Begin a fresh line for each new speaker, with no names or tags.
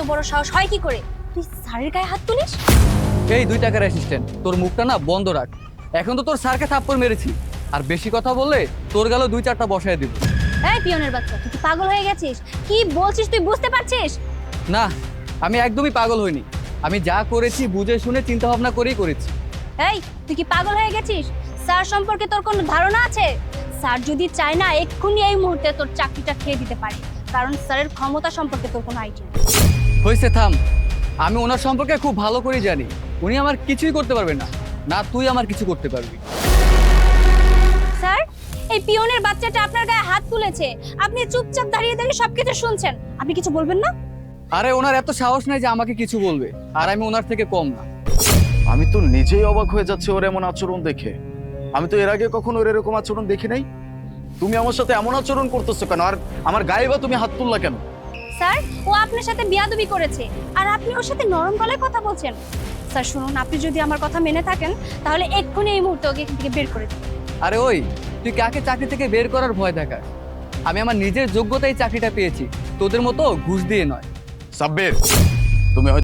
বড় সাহস হয় কি করে তুই স্যারের গায়ে হাত তুলিস?
এই 2 টাকার অ্যাসিস্ট্যান্ট, তোর মুখটা না বন্ধ রাখ। এখন তো তোর স্যারকে থাপ্পড় মেরেছি, আর বেশি কথা বললে তোর গেল 2-4টা বসায় দিব।
এই পিয়নের বাচ্চা, তুই কি পাগল হয়ে গেছিস? কি বলছিস তুই বুঝতে পারছিস?
না, আমি একদমই পাগল হইনি। আমি যা করেছি বুঝে শুনে চিন্তা ভাবনা করেই করেছি।
এই তুই কি পাগল হয়ে গেছিস? স্যার সম্পর্কে তোর কোনো ধারণা আছে? স্যার যদি চায় না এক্ষুনি এই মুহূর্তে তোর চাকরিটা খেয়ে দিতে পারে, কারণ স্যারের ক্ষমতা সম্পর্কে তোর কোনো আইডিয়া নেই।
হয়েছে, থাম। আমি ওনার সম্পর্কে খুব ভালো করেই জানি উনি আমার কিছুই করতে পারবে না, না তুই আমার কিছু করতে পারবি।
স্যার, এই পিয়নের বাচ্চাটা আপনার গায়ে হাত তুলেছে, আপনি চুপচাপ দাঁড়িয়ে দাঁড়িয়ে সবকিছু শুনছেন, আপনি কিছু বলবেন না?
আরে ওনার এত সাহস নাই যে আমাকে কিছু বলবে, আর আমি ওনার থেকে কম না।
আমি তো নিজেই অবাক হয়ে যাচ্ছি ওর এমন আচরণ দেখে। আমি তো এর আগে কখনো ওর এরকম আচরণ দেখি নাই। তুমি আমার সাথে এমন আচরণ করতেছো কেন? আর আমার গায়ে বা তুমি হাত তুললা কেন?
স্যার, ও আপনার সাথে বিয়াদবি করেছে আর আপনি ওর সাথে নরম গলায় কথা বলছেন। স্যার শুনুন, আপনি যদি আমার কথা মেনে থাকেন তাহলে এক্ষুনি এই মুহূর্তে ওকে এখান থেকে বের করে দিন।
আরে ওই, তুই কাকে চাকরি থেকে বের করার ভয় দেখাস? আমি আমার নিজের যোগ্যতায় চাকরিটা পেয়েছি, তোদের মতো ঘুষ দিয়ে নয়।
সাব্বির, তুমি হয়তো